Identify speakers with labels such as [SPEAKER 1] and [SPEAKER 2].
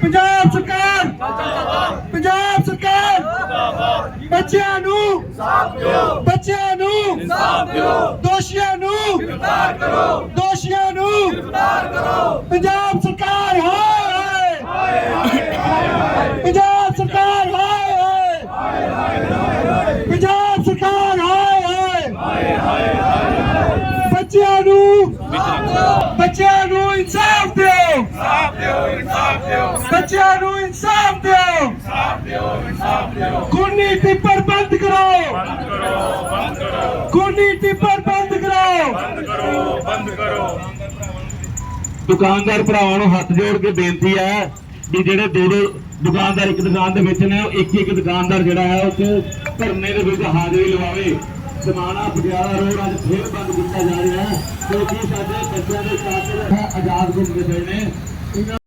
[SPEAKER 1] पंजाब सरकार पंजाब सरकार बच्चियां नू दोषियां नू पंजाब सरकार हाय पंजाब सरकार हाय पंजाब सरकार हाय बच्चियां नू इंसाफ दो बच्चियां नू इंसाफ दो खूनी टिप्पर बंद करो खूनी टिप्पर बंद करो दुकानदार भरावां नूं हथ जोड़ के बेनती है भी जेडे दो दुकानदार एक दुकान दे विच ने एक दुकानदार जिहड़ा है उस धरने दे विच हाज़री लवावे। समाना पटियाला रोड अज फिर बंद किया जा रहा है क्योंकि साडे बच्चों के साथ आजाद घूमते पे ने।